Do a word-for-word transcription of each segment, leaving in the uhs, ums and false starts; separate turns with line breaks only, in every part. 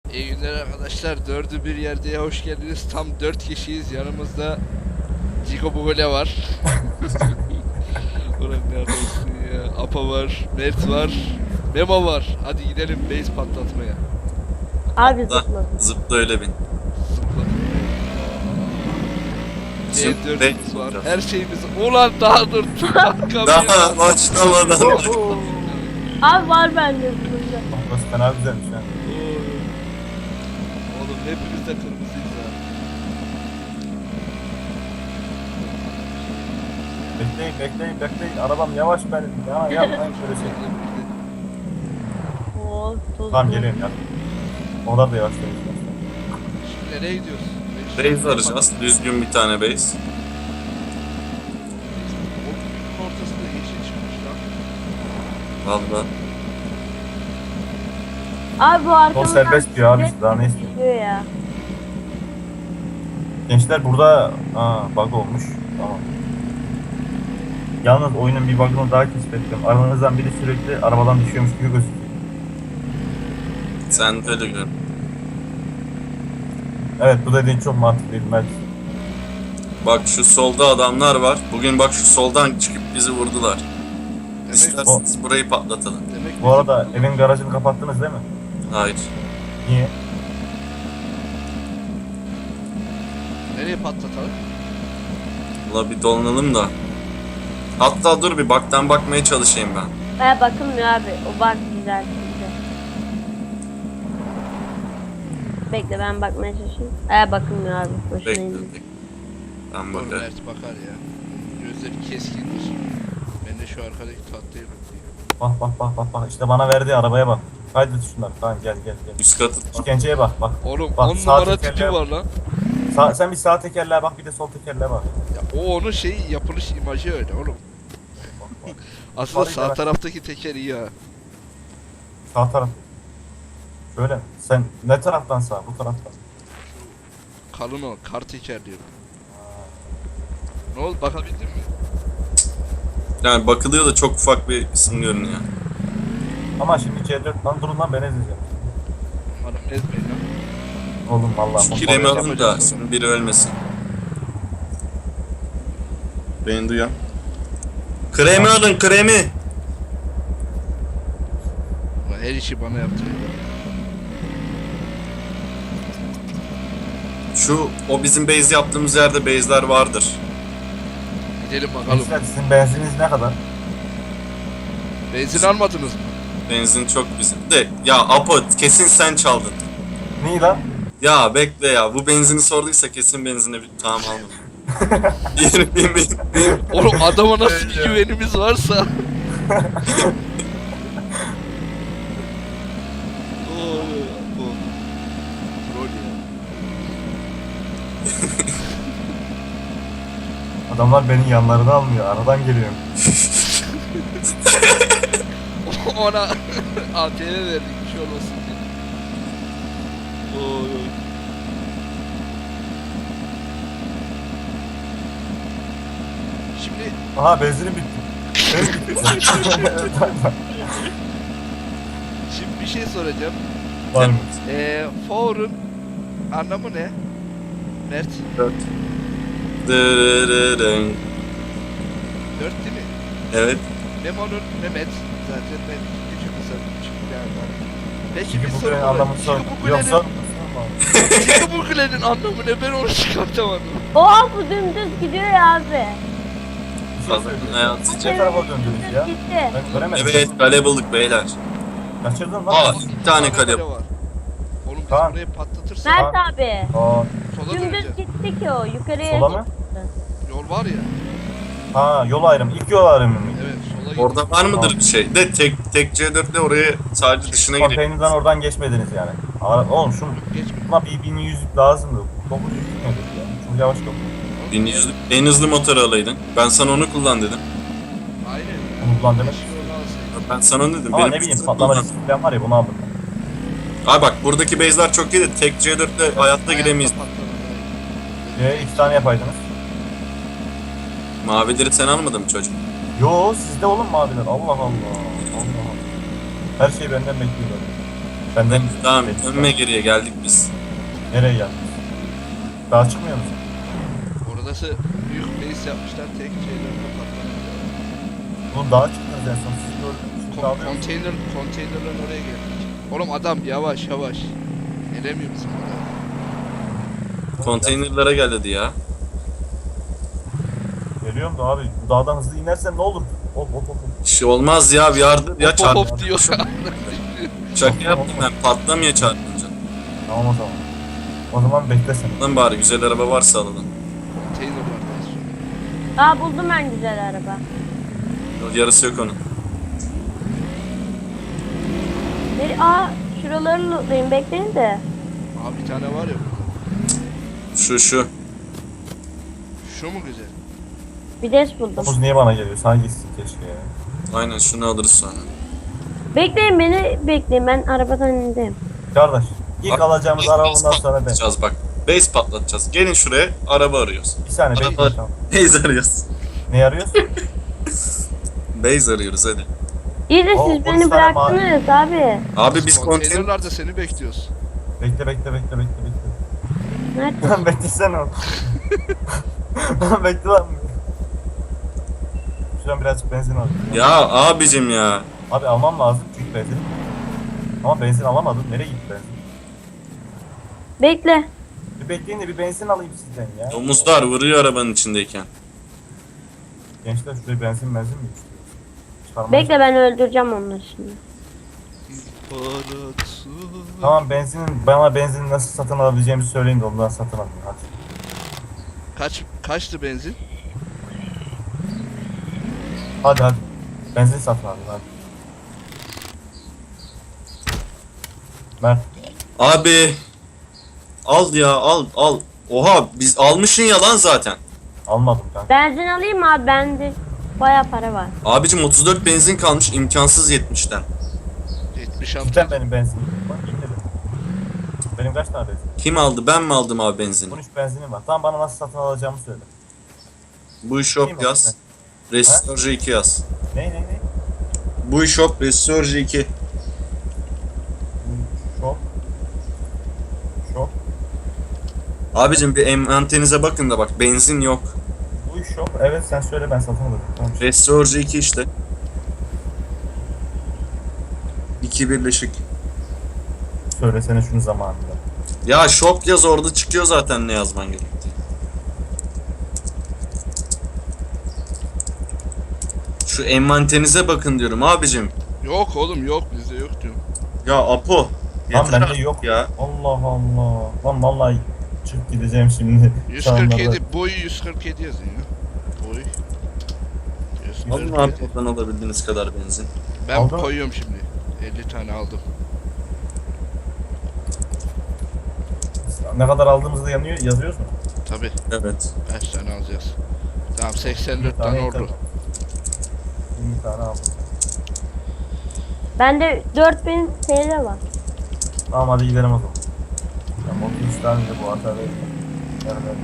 İyi günler arkadaşlar. Dördü bir yerdeye hoş geldiniz. Tam dört kişiyiz. Yanımızda Cigo Bugole var. Ulan neredesin ya? Apa var, Mert var, Memo var. Hadi gidelim base patlatmaya.
Abi
Zıpla.
zıpla.
Zıpla öyle bin.
Zıpla.
Şimdi
C dört'ümüz
bekle
var.
biraz.
Her şeyimiz. Ulan daha dur. Arka
Daha başlamadan.
Abi var bende zıpla.
Burası fena güzelmiş ha.
Oğlum hepimiz de kırmızıyız ha.
Bekleyin bekleyin bekleyin. Arabam yavaş benim. Ya yapmayın şöyle şey.
Oo, toz.
Tamam geliyorum ya. Onlar da yavaş benim.
Şimdi nereye gidiyoruz?
Base arayacağız. Düzgün bir tane base.
O günün ortasında yeşil çıkmış lan.
Valla.
Abi bu arkamdan
Çok serbest diyor abi. Daha ne istiyor?
diyor ya.
Gençler burada aa, bug olmuş. Tamam. Yalnız oyunun bir bug'ını daha keşfettim. Aranızdan biri sürekli arabadan düşüyormuş gibi gözüküyor.
Sen de öyle gör. Evet.
Evet bu dediğin çok mantıklıydı Mert.
Bak şu solda adamlar var. Bugün bak şu soldan çıkıp bizi vurdular.
Demek,
İsterseniz burayı patlatalım.
demek
Bu arada evin garajını kapattınız değil mi?
Hayır.
Niye?
nereye patlatalım?
Valla bir dolanalım da. Hatta dur bir baktan bakmaya çalışayım ben.
Baya bakılmıyor abi. O bak güzel. güzel. Bekle ben bakmaya çalışayım. Aya bakılmıyor abi. Boşuna
Bekle.
indi.
bekle. Ben
Dur
bakarım.
Mert bakar ya. Gözleri keskindir. Ben de şu arkadaki tatlıyı bakayım.
Bak bak bak bak bak. İşte bana verdiği arabaya bak. Kaydet şunları. Tamam gel gel gel.
Üst katı.
İşkenceye bak bak.
Oğlum
Bak,
on
sağ
numara
tekerleğe
tipi
bak.
var lan.
Sağ, sen bir sağ tekerleğe bak bir de sol tekerleğe bak.
Ya o onun şey yapılış imajı öyle oğlum.
Bak, bak.
Aslında
Bak,
sağ
bak.
taraftaki teker iyi ha.
Sağ taraf. Şöyle mi? Sen ne taraftan sağ? Bu taraftan.
Kalın o, kar teker diyorum. Ne oldu bakabildin mi?
Yani bakılıyor da çok ufak bir isim görünüyor.
Ama şimdi C dört lan durun lan ben ezeceğim.
Hanım ezmeyin lan.
Oğlum vallahi.
Şu
bomba
kiremi
yapacağım.
alın da şimdi biri ölmesin. Beni duyan. Kremi alın kremi.
Ulan her işi bana yaptırıyor.
Şu o bizim base yaptığımız yerde base'ler vardır.
Gidelim bakalım.
Gençler sizin benzininiz ne kadar?
Benzin almadınız mı?
Benzin çok bizim. De ya Apo kesin sen çaldın.
Neyi lan?
Ya bekle ya bu benzini sorduysa kesin benzine bir tamam almadım. Yeni bin bin.
Oğlum adama nasıl bir güvenimiz varsa. Oo, bu. Troll ya.
Adamlar benim yanlarına almıyor. Aradan geliyorum.
Ona A T V verdik bir şey olmasın diye. Oy oy. Şimdi
Aha benzinim bitti. Benim bitti.
şimdi bir şey soracağım.
Var mı?
Eee for'un anlamı ne? Mert
Dırırırın.
dört değil mi?
Evet.
Memo'nun Mehmet zaten ben küçük kısa küçük bir yerden. Peki
Çünkü
bir
bu
soru
kulenin
var.
anlamını sor.
Şimdi
Yok
bu
sor.
kulenin, şimdi bu kulenin anlamı ne? Ben onu çıkartamadım.
Oha bu dümdüz gidiyor ya abi.
Fazla hayatı
Ne tarafa döndünüz ya?
Gitti.
Ben göremedim.
Evet kale bulduk beyler.
Kaçırdın lan.
Aa bir tane kale.
var. Oğlum biz
Kaan.
burayı patlatırsak
Mert abi.
Aa,
sola
Dümdüz
döneceğiz.
gitti ki o. Yukarıya
sola mı?
gitti.
Yol var ya.
Ha yol ayrımı. İlk yol ayrımı mı?
Evet sola gidiyor.
Orada var mıdır bir şey? De tek tek C dört ile oraya sadece dışına girelim.
Konteynerden oradan geçmediniz yani. Aa, oğlum şunu
Geçme.
buna bir bin yüz lazımdı. dokuz yüz gitmedik ya. Çok yavaş kapı.
bin yüz en hızlı motoru alaydın. Ben sana onu kullan dedim.
Aynen.
Bunu kullan demek.
Beş yolu alsaydık.
Ben sana onu dedim.
Ama
Benim
ne bileyim
hızlı
patlama
kullan.
riski falan var ya bunu aldım.
Abi bak buradaki base'ler çok iyi de tek C dört ile hayatta giremeyiz.
Hayatta patladı.
Ee, iki tane yapaydınız.
Mavileri sen almadın mı çocuk?
Yo sizde oğlum maviler. Allah Allah. Allah Allah. Her şey benden bekliyorlar. Benden
Tamam
Peki,
dönme geriye geldik biz.
nereye geldin? Daha çıkmıyor musun?
Orası büyük base yapmışlar tek şeylerle patlamışlar.
Oğlum daha çıktınız en son siz gördünüz. Şimdi
Kon
alıyor musun?
konteyner, konteynerlerin oraya geldik. Oğlum adam yavaş yavaş. Gelemiyor bizim oraya.
Konteynerlara gel dedi ya.
Geliyorum da abi bu dağdan hızlı inersen ne olur? Hop hop hop. hop.
Bir şey olmaz ya bir yardır ya
Hop
çarp.
hop hop diyor.
Şaka yaptım ben patlamıyor çarpınca.
Tamam o zaman. O zaman bekle sen.
Lan bari güzel araba varsa alalım.
Konteyner var daha sonra.
Aa buldum ben güzel araba.
Yarısı yok onun.
Bir, aa şuraları lootlayın bekleyin de.
Abi bir tane var ya.
Şu şu.
Şu mu güzel?
Bir des buldum.
Domuz niye bana geliyor? Sana gitsin keşke ya.
Aynen şunu alırız sonra.
Bekleyin beni bekleyin ben arabadan indim.
Kardeş ilk
Bak,
alacağımız
base
araba bundan sonra ben.
patlatacağız bak. Base patlatacağız. Gelin şuraya araba arıyoruz.
Bir saniye
Araba-
bekle tamam.
Base arıyoruz.
Ne arıyorsun?
Base arıyoruz hadi.
İyi de
Oo,
siz
on
beni
tane
bıraktınız abi.
Abi biz konteyner...
Konteynerlarda seni bekliyoruz.
Bekle bekle bekle bekle bekle.
Nerede?
Lan beklesene oğlum. Lan bekle lan. Şuradan birazcık benzin al.
Ya abicim ya.
Abi almam lazım çünkü benzin. Ama benzin alamadım. Nereye gitti benzin?
Bekle.
Bir bekleyin de bir benzin alayım sizden ya.
Domuzlar vuruyor arabanın içindeyken.
Gençler şuraya benzin benzin mi istiyor? Çıkarmaya-
Bekle ben öldüreceğim onları şimdi.
Tamam benzinin bana benzin nasıl satın alabileceğimi söyleyin de ondan satın alayım hadi.
Kaç kaçtı benzin?
Hadi hadi. Benzin satın alayım hadi. Mert.
Abi. Al ya al al. Oha biz almışın ya lan zaten.
Almadım kanka.
Benzin alayım mı abi? Bende baya para var.
Abicim otuz dört benzin kalmış imkansız yetmişten.
yetmiş altı.
Cidden benim benzinim var. İndirim. Benim kaç tane benzin?
Kim aldı ben mi aldım abi benzini?
on üç benzinim var. Tamam bana nasıl satın alacağımı söyle.
Bu
İyi
shop
mi?
yaz. Restorji iki yaz.
Ne ne ne?
Bu shop Restorji iki.
Şok. Şok.
Abicim bir envanterinize bakın da bak benzin yok.
Bu iş yok. Evet sen söyle ben satın alırım. Tamam.
Restorji iki işte. İki birleşik.
Söylesene şunu zamanında.
Ya shop yaz orada çıkıyor zaten ne yazman gerektiği. Şu envanterinize bakın diyorum abicim.
Yok oğlum yok bizde yok diyorum.
Ya Apo.
Lan
yeter
bende
artık
yok.
ya.
Allah Allah. Lan vallahi çık gideceğim şimdi.
yüz
Şu
kırk
anlarda.
yedi boyu yüz kırk yedi yazıyor ya. Boy. yüz kırk yedi.
Alın abi oradan alabildiğiniz kadar benzin.
Ben
Aldın mı?
koyuyorum şimdi. elli tane aldım.
Ne kadar aldığımızda yanıyor, yazıyoruz mu?
Tabi
Evet.
kaç tane alacağız? Tamam seksen dört
Bir
tane
yeter.
ordu.
yirmi tane aldım.
Bende dört bin T L var.
Tamam hadi gidelim o zaman. Tamam otuz üç tane de bu hata değil. Yani ben...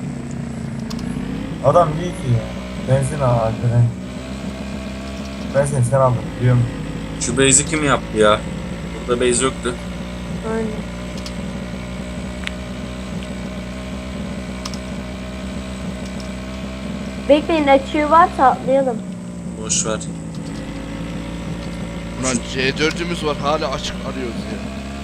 Adam değil ki ya. Benzin al Alperen. Benzin sen aldın biliyorum.
Şu base'i kim yaptı ya? Burada base yoktu.
Aynen. Bekleyin açığı varsa atlayalım.
Boş ver.
Ulan C dördümüz var hala açık arıyoruz ya.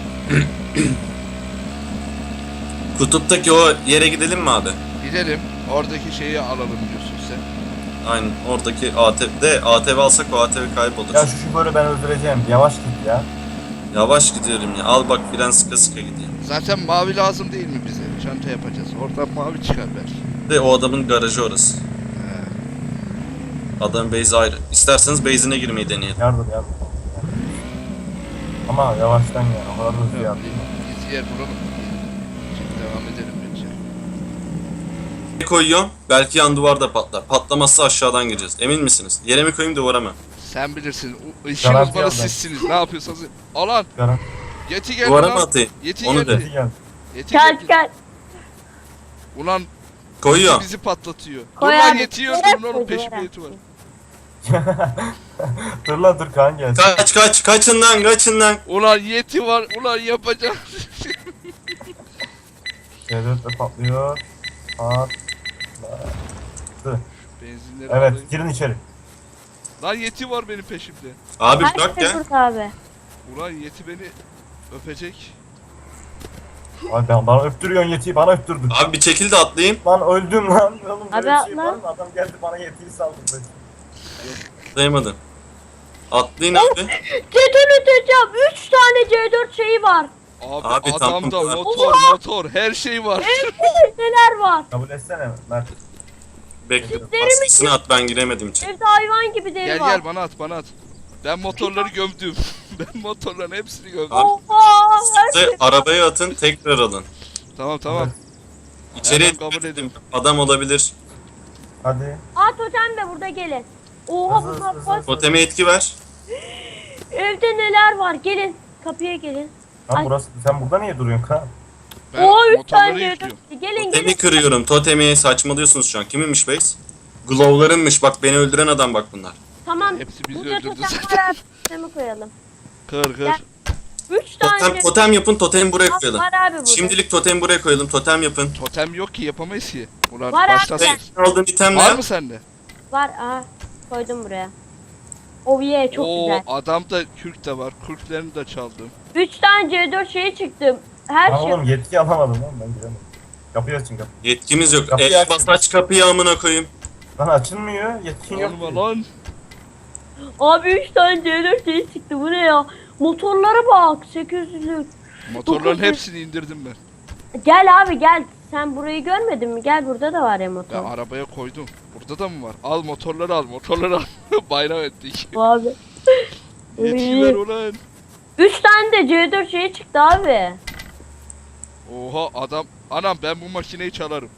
Kutuptaki o yere gidelim mi abi?
Gidelim oradaki şeyi alalım diyorsun sen.
Aynen oradaki A T V'de A T V alsak o A T V kaybolur.
Ya şu şoförü ben öldüreceğim. Yavaş git ya.
Yavaş gidiyorum ya. Al bak fren sıka sıka gidiyor.
Zaten mavi lazım değil mi bize? Çanta yapacağız. Oradan mavi çıkar belki.
De o adamın garajı orası.
He.
Adam base ayrı. İsterseniz base'ine girmeyi deneyelim.
Yardım yardım. Ama yavaştan yani. O kadar hızlı
Yok,
yardım.
biz yer bulalım. Şimdi devam edelim bence.
Ne koyuyorum? Belki yan duvarda patlar. Patlamazsa aşağıdan gireceğiz. Emin misiniz? Yere mi koyayım duvara mı?
Sen bilirsin. O- İşin
Garanti
uzmanı
aldım.
sizsiniz. Ne yapıyorsanız. Alan.
Garan.
Yeti geldi
Duvara
lan.
mı atayım?
Yeti
Onu
geldi.
de.
Hadi gel.
Yeti
Kaç
geldi.
kaç.
Ulan
Koyuyorum.
bizi patlatıyor.
Koy
Dur lan
abi.
yetiyi
Duvara
öldürün oğlum
koy,
peşimde
duvara.
yeti var.
Dur lan dur Kaan gelsin.
Kaç kaç kaçın lan kaçın lan.
Ulan yeti var. Ulan yapacağım.
C dört de patlıyor. Patladı.
Benzinleri
Evet
alayım.
girin içeri.
Lan yeti var benim peşimde.
Abi
Her
bırak
şey
ya.
burada abi.
Ulan yeti beni öpecek.
Abi ben, bana öptürüyorsun yetiyi bana öptürdün.
Abi bir çekil de atlayayım.
Lan öldüm lan. Oğlum
Abi
böyle bir şey
atla.
var mı? Adam geldi bana yetiyi saldırdı.
Atlayamadım. Atlayın abi.
C dört öteceğim. üç tane C dört şeyi var.
Abi,
Abi,
adamda
tamam.
motor motor her şey var.
Neler var?
Kabul etsene Mert.
Bekle.
Çiftlerimi-
Baskısını at ben giremedim içeri.
Evde hayvan gibi deri
Gel
var.
gel bana at bana at. Ben motorları gömdüm. Ben motorların hepsini gömdüm.
Abi,
Oha! Her
Size
şey.
arabaya atın tekrar alın.
Tamam tamam.
İçeriye
Hemen kabul edeyim.
adam olabilir.
Hadi.
Aa totem de burada gelin. Oha
Hızlı,
bunlar
hızlı,
var.
hızlı.
Toteme etki ver.
Evde neler var? Gelin. Kapıya gelin.
Lan
Ay.
burası sen burada niye duruyorsun Kaan?
Ben
Oo üç
motorları
tane C
yüklüyorum.
dört. Gelin
Totemi
gelin.
kırıyorum. Totemi saçmalıyorsunuz şu an. Kiminmiş base? Glow'larınmış. Bak beni öldüren adam bak bunlar.
Tamam.
Hepsi bizi
Burada
öldürdü
totem
zaten.
var abi. Totemi koyalım.
Kır kır.
Gel. üç tane
Totem, totem yapın. Totemi buraya
Var
koyalım.
abi burada.
Şimdilik totemi buraya koyalım. Totem yapın.
Totem yok ki yapamayız ki. Ulan
Var abi.
başlasın.
Hey, aldığın item ne
Var
ya?
mı sende?
Var. Aha. Koydum buraya. Oh yeah çok
Oo
güzel.
adamda kürk de var. Kürklerini de çaldım.
üç tane C dört şeye çıktım. Her
Lan
şey.
oğlum yetki alamadım lan ben giremedim. Kapıyı açın kapıyı.
Yetkimiz yok.
Kapıyı
El
açın.
bas aç kapıyı amına koyayım.
Lan açılmıyor yetkin yok.
Olma lan.
Abi üç tane C dört şey çıktı. Bu ne ya? Motorlara bak. sekiz yüzlük.
Motorların
Dokuz yüz.
hepsini indirdim ben.
Gel abi gel. Sen burayı görmedin mi? Gel burada da var ya
Ben
motor.
arabaya koydum. Burada da mı var? Al motorları al motorları al. Bayram ettik.
Bu abi.
Yetki ver ulan.
üç tane de C dört şey çıktı abi.
Oha adam. Anam ben bu makineyi çalarım.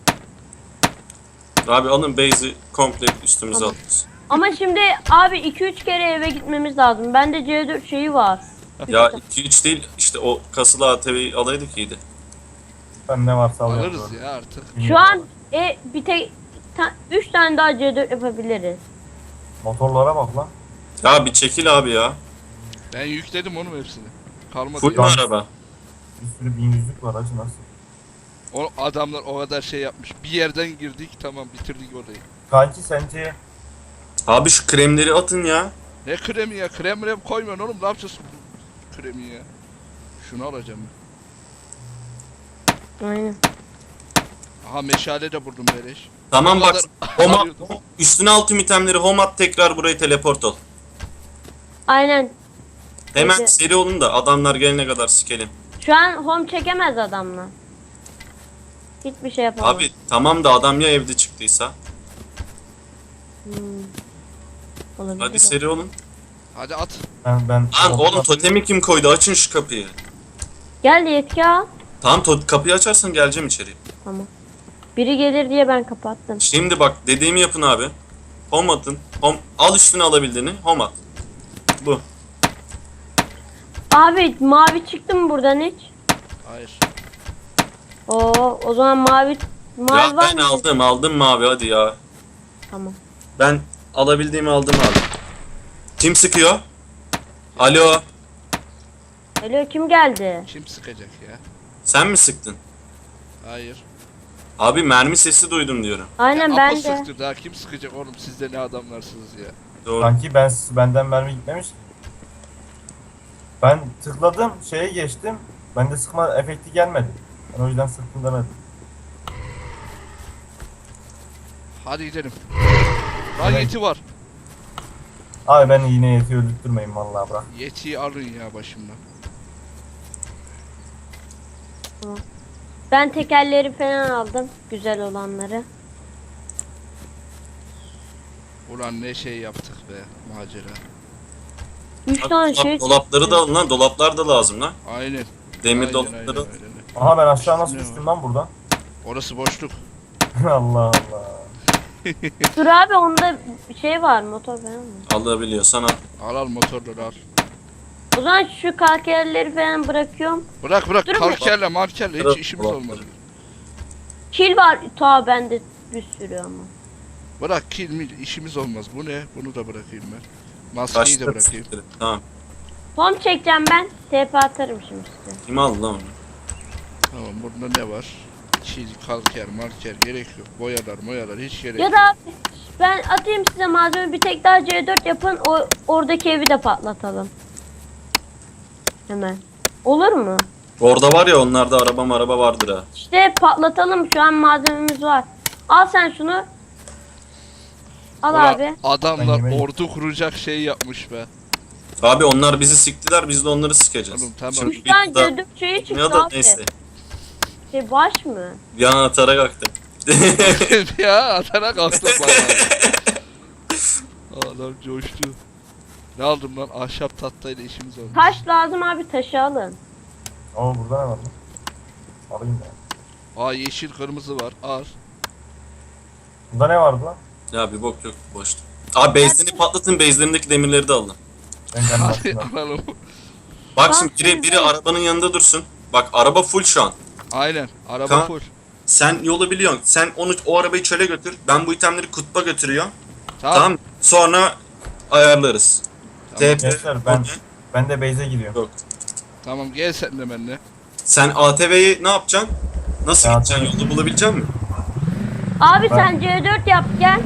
Abi alın base'i komple üstümüze
Tamam.
alırız.
Ama şimdi abi iki üç kere eve gitmemiz lazım. Bende C dört şeyi var.
Ya iki üç değil işte o kasılı A T V'yi alaydık iyiydi.
Ben ne varsa alıyorum.
Alırız ya artık.
Şu an e, bir tek üç tane daha C dört yapabiliriz.
Motorlara bak lan.
Ya bir çekil abi ya.
Ben yükledim onun hepsini. Kalmadı.
Full
ya.
mu araba?
Bir sürü bin yüzlük var acı nasıl?
O adamlar o kadar şey yapmış. Bir yerden girdik tamam bitirdik orayı.
Kanki sence
Abi şu kremleri atın ya.
Ne kremi ya? Krem krem koymuyorsun oğlum. Ne yapacağız bu kremi ya? Şunu alacağım ben.
Aynen.
Aha meşale de buldum beleş.
Tamam
O
bak.
kadar
Home
arıyordum.
at, üstüne al tüm itemleri home at tekrar burayı teleport ol.
Aynen.
Hemen
Peki.
seri olun da adamlar gelene kadar sikelim.
Şu an home çekemez adamla. Hiçbir şey yapamaz.
Abi tamam da adam ya evde çıktıysa.
Hmm. Olabilir.
Hadi seri olun.
Hadi at.
ben ben
Lan oğlum totemi kim koydu? Açın şu kapıyı.
Gel yetki al.
Tamam to- kapıyı açarsan geleceğim içeri.
Tamam. Biri gelir diye ben kapattım.
Şimdi bak dediğimi yapın abi. Home atın. Home, al üstüne alabildiğini. Home at. Bu.
Abi mavi çıktı mı buradan hiç?
Hayır.
Oo o zaman mavi mavi
Ya
var
ben
mı?
aldım aldım mavi hadi ya.
Tamam.
Ben alabildiğimi aldım abi. Kim sıkıyor? Alo.
Alo kim geldi?
Kim sıkacak ya?
Sen mi sıktın?
Hayır.
Abi mermi sesi duydum diyorum.
Aynen
ya
ben
Apo
de.
sıktı daha kim sıkacak oğlum siz de ne adamlarsınız ya.
Doğru.
Kanki ben benden mermi gitmemiş. Ben tıkladım şeye geçtim. Bende sıkma efekti gelmedi. Ben o yüzden sıktım demedim.
Hadi gidelim. Lan
Evet.
yeti var.
Abi beni yine yeti öldürtmeyin vallahi bırak.
Yetiyi alın ya başımdan.
Ben tekerleri falan aldım. Güzel olanları.
Ulan ne şey yaptık be macera.
Üç
Bak,
tane
dolap-
şey.
dolapları da alın lan. Dolaplar da lazım lan.
Aynen.
Demir
aynen,
dolapları.
aynen, aynen.
Aha ben aşağı nasıl
Ne
düştüm lan buradan?
Orası boşluk.
Allah Allah.
Dur abi onda şey var motor falan mı?
Alabiliyorsan al.
Al al motorları al.
O zaman şu kalkerleri falan bırakıyorum.
Bırak bırak
Durun.
kalkerle markerle
Bırak,
hiç işimiz
bırak.
olmadı.
Kil var ta bende bir sürü ama.
Bırak kill mil işimiz olmaz. Bu ne? Bunu da bırakayım ben. Maskeyi de
Kaçtı.
bırakayım.
siktir. Tamam.
Pom çekeceğim ben. T P atarım şimdi size.
Kim aldı lan onu?
Tamam burada ne var? Çiz, kalker, marker gerek yok. Boyalar, moyalar hiç gerek
Ya
yok.
da abi, ben atayım size malzeme, bir tek daha C dört yapın, o oradaki evi de patlatalım. Hemen. Olur mu?
Orada var ya, onlarda araba araba vardır ha.
İşte patlatalım, şu an malzememiz var. Al sen şunu. Al
Ulan
abi.
adamlar
Ben yemeği-
ordu kuracak şey yapmış be.
Abi onlar bizi siktiler, biz de onları sikeceğiz.
Oğlum, tamam.
Şimdi
Üç tane
bir daha-
C dört şeyi
Ya
çıktı
da
abi.
neyse.
Şey baş mı?
Bir an atarak aktım.
Ya atana kalktım bana. Adam coştu. Ne aldım lan? Ahşap tahtayla işimiz oldu.
Taş lazım abi, taşı alın.
Oo burada ne var lan? Alayım ya.
Aa yeşil kırmızı var. Al.
Bunda ne vardı lan?
Ya bir bok yok, boştu. Abi base'lerini patlatın, base'lerindeki demirleri de alın.
Ben kendim
Hadi
aslında.
alalım.
Bak
Bak
şimdi biri,
şimdi.
biri arabanın yanında dursun. Bak araba full şu an.
Aynen. Araba
Tamam.
full.
Sen yolu biliyorsun. Sen onu, o arabayı çöle götür. Ben bu itemleri kutba götürüyorum.
Tamam.
Tamam. Sonra ayarlarız.
Tamam.
T P,
Gençler ben ben de base'e gidiyorum.
Yok.
Tamam gel sen de benimle.
Sen A T V'yi ne yapacaksın? Nasıl
Ya,
gideceksin? Yolda bulabilecek misin?
Abi
Ben-
sen C dört yap gel.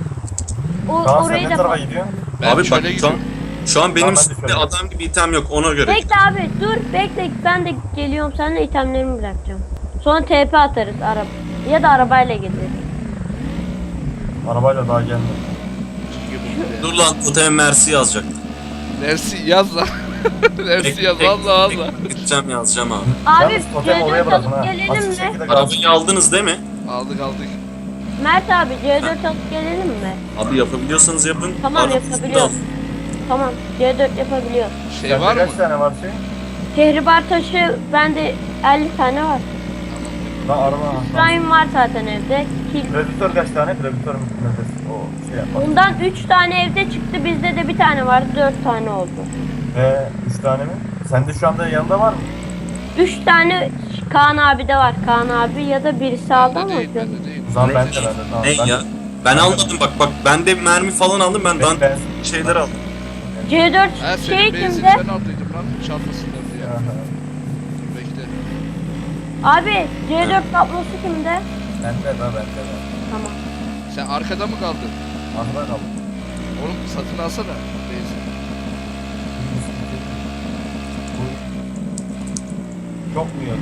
O,
Kaan sen
orayı
ne
da
tarafa
pat-
gidiyorsun?
Ben
Abi bak
şöyle
şu an,
gidiyorum.
şu an benim
Tamam, ben de
üstümde
şöyle.
adam gibi item yok, ona göre.
Bekle abi, dur bekle, ben de geliyorum, seninle itemlerimi bırakacağım. Sonra T P atarız araba. Ya da arabayla gideriz.
Arabayla daha gelmiyor.
Dur lan, totem Mersi yazacak.
Nersi yaz lan. Nersi yaz Allah Allah.
Gideceğim, yazacağım abi.
Abi
Yalnız totemi oraya
C dört
bırakın ha.
alıp gelelim
Basit
mi?
şekilde kalsın.
Arabayı aldınız değil mi?
Aldık aldık.
Mert abi C dört alıp gelelim mi?
Abi yapabiliyorsanız yapın.
Tamam,
Arabanızı da
yapabiliyoruz.
alın.
Tamam, C dört yapabiliyoruz.
Şey
Sende
var mı?
kaç tane var şey?
Kehribar taşı bende elli tane var.
Lan araba.
Prime var zaten evde. Kil.
Predator kaç tane? Predator nedir? O şey yapar.
Ondan üç tane evde çıktı, bizde de bir tane vardı, dört tane oldu.
Ve üç tane mi? Sende şu anda yanında var mı?
üç tane Kaan abi de var. Kaan abi ya da birisi aldı
Bende
ama.
değil bende değil.
O zaman
Ne?
bende bende. Tamam.
Ne
ben,
ya? Ben almadım bak bak, ben de mermi falan aldım, ben
Ben-
dan
ben-
şeyler aldım.
C dört
Ha
şey
senin benzin
kimde?
ben aldıydım lan. Çantasında diye.
Aha.
Bekle.
Abi C dört kablosu kimde?
Bende de bende de.
Tamam.
Sen arkada mı kaldın?
Arkada kaldı.
Oğlum satın alsana. Benzin.
Bu çok mu yok?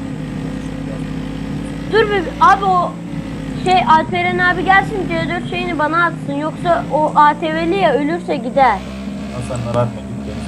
Dur bir abi, o şey Alperen abi gelsin, C dört şeyini bana atsın, yoksa o A T V'li ya ölürse gider.
Lan sen merak etme, git gel.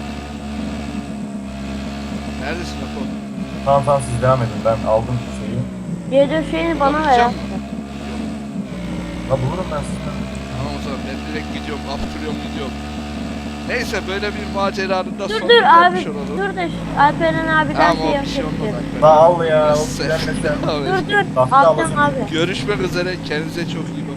Neredesin Apo?
Tamam tamam siz devam edin, ben aldım şeyi.
C dört şeyini bana ver.
Bakacağım.
abi.
La bulurum ben sizden.
Tamam o zaman ben direkt gidiyorum. Aptırıyorum gidiyorum. Neyse böyle bir maceranın da
Dur
sonuna
dur abi,
gelmiş olalım.
dur da şu Alperen abiden
Tamam
şey
o bir şey olmaz.
yapabilirim.
Alper.
La al ya, o
Neyse.
gelmesen.
Tamam,
Dur dur,
Tahta
alacağım
alacağım.
abi.
Görüşmek üzere. Kendinize çok iyi